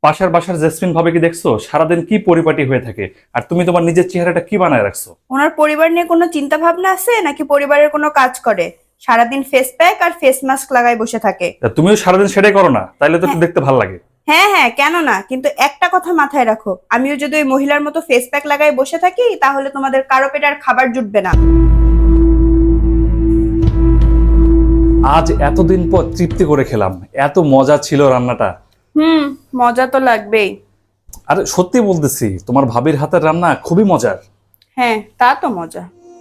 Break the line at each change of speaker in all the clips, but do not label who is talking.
পাশের বাসার জেসমিন ভাবে কি দেখছো সারাদিন কি পরিপাটি হয়ে থাকে, আর তুমি তোমার নিজের চেহারাটা কি বানায় রাখছো?
ওনার পরিবার নিয়ে কোনো চিন্তা ভাবনা আছে নাকি পরিবারের কোনো কাজ করে? সারাদিন ফেস প্যাক আর ফেস মাস্ক লাগায় বসে থাকে।
তা তুমিও সারাদিন সেটাই করো না, তাইলে তো একটু
হ্যাঁ
দেখতে ভালো লাগে।
হ্যাঁ হ্যাঁ, কেন না, কিন্তু একটা কথা মাথায় রাখো, আমিও যদি ওই মহিলার মতো ফেস প্যাক লাগায় বসে থাকি তাহলে তোমাদের কারো পেটে আর খাবার জুটবে না।
আজ এতদিন পর তৃপ্তি করে খেলাম, এত মজা ছিল রান্নাটা।
মজা তো লাগবেই।
আরে সত্যি বলতেছি, তোমার ভাবির হাতের রান্না খুবই মজার।
হ্যাঁ, তা তো মজা।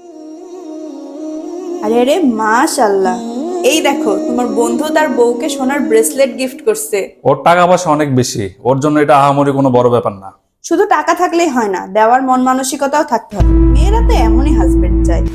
আরে আরে, মাশাআল্লাহ, এই দেখো তোমার বন্ধু তার বউকে সোনার ব্রেসলেট গিফট করছে।
ওর টাকা পয়সা অনেক বেশি, ওর জন্য এটা আহামরি কোনো বড় ব্যাপার না।
শুধু টাকা থাকলেই হয় না, দেওয়ার মন মানসিকতাও থাকতে হবে। মেয়েরা তো এমনই হাজবেন্ড চায়।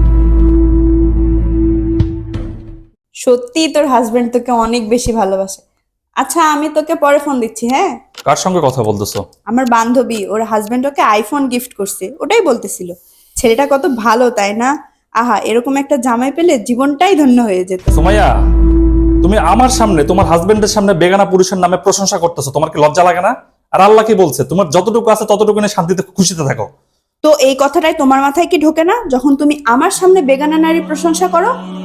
সত্যি তোর হাজবেন্ড তোকে অনেক বেশি ভালোবাসে। আচ্ছা, আমি তোকে পরে ফোন দিচ্ছি, হ্যাঁ?
কার সঙ্গে কথা বলতেছো?
আমার বান্ধবী, ওর হাজবেন্ড ওকে আইফোন গিফট করছে, ওটাই বলতেছিল। ছেলেটা কত ভালো, তাই না? আহা, এরকম একটা জামাই পেলে জীবনটাই ধন্য হয়ে যেত।
সুমাইয়া, তুমি আমার সামনে তোমার হাজবেন্ডের সামনে বেগানা পুরুষের নামে প্রশংসা করতেছো, তোমার কি লজ্জা লাগে না? আর আল্লাহ কি বলছে, তোমার যতটুকু আছে ততটুকু নিয়ে শান্তিতে খুশিতে থাকো।
তো এই কথাটাই তোমার মাথায় কি ঢোকে না যখন তুমি আমার সামনে বেগানা নারী প্রশংসা করো?